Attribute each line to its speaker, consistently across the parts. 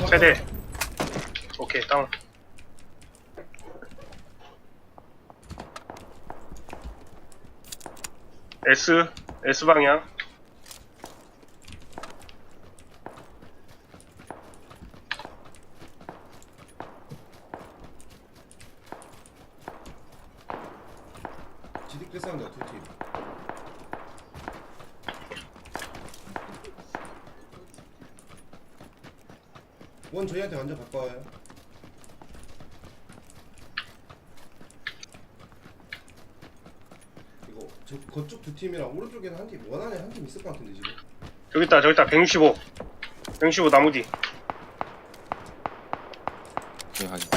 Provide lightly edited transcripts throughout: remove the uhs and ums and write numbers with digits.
Speaker 1: 세대. 오케이, 다운. S 방향.
Speaker 2: 지득대 싸운다 두 팀. 원 저희한테 완전 가까워요. 이거 저 그쪽 두 팀이랑 오른쪽에는 한 팀, 원 안에 한 팀 있을 것 같은데 지금.
Speaker 1: 저기 있다. 165 나무 뒤.
Speaker 3: 네, 확인.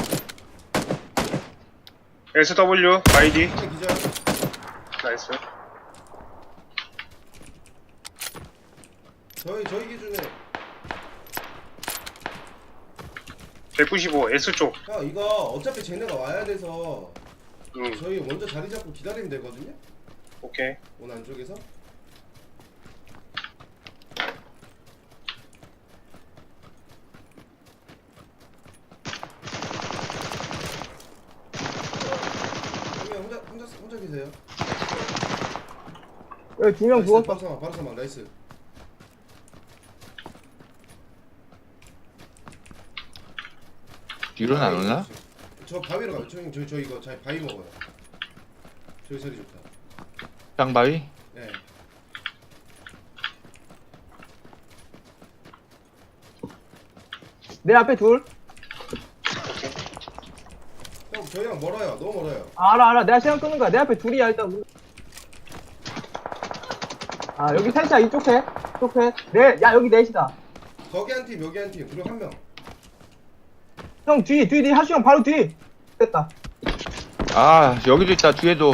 Speaker 1: SW ID.
Speaker 2: 하나 기절.
Speaker 1: 나이스.
Speaker 2: 저희 기준에
Speaker 1: 195 S 쪽.
Speaker 2: 형 이거 어차피 쟤네가 와야 돼서 저희 먼저 자리 잡고 기다리면 되거든요.
Speaker 1: 오케이.
Speaker 2: 원 안쪽에서. 형님 혼자 계세요.
Speaker 4: 여기 두 명
Speaker 2: 나이스,
Speaker 4: 죽었어.
Speaker 2: 바로 사망 나이스.
Speaker 3: 뒤로는 안 오나?
Speaker 2: 저 바위로 가요. 저 이거 잘 바위 먹어요. 저기 소리 좋다.
Speaker 3: 땅바위?
Speaker 2: 네.
Speaker 4: 내 앞에 둘.
Speaker 2: 형 저희랑 멀어요. 너무 멀어요.
Speaker 4: 알아. 내가 시간 끄는 거야. 내 앞에 둘이야, 일단. 아, 여기 셋이야, 이쪽 셋. 이쪽 셋. 야, 여기 넷이다.
Speaker 2: 거기 한 팀, 여기 한 팀, 그리고 한 명.
Speaker 4: 형, 뒤, 하수 형 바로 뒤. 됐다.
Speaker 3: 아, 여기도 있다, 뒤에도.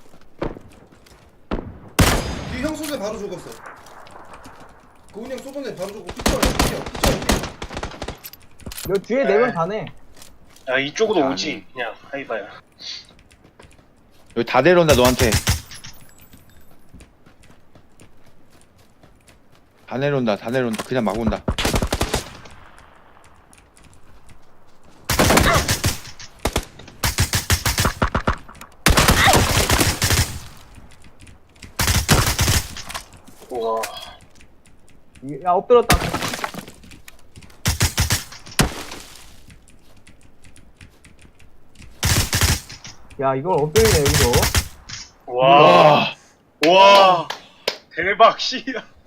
Speaker 2: 뒤 형 쏘네 바로 죽었어. 그훈이 형 쏘네 바로 죽고 피쳐.
Speaker 4: 여기 뒤에 네 명 다네.
Speaker 1: 야, 이쪽으로
Speaker 3: 아니.
Speaker 1: 오지. 그냥 하이바야.
Speaker 3: 여기 다 내려온다, 너한테. 다 내려온다. 그냥 막 온다.
Speaker 1: 우와.
Speaker 4: 야, 엎드렸다. 야, 이걸 엎드리네, 여기서.
Speaker 1: 와. 와. 대박, 씨야.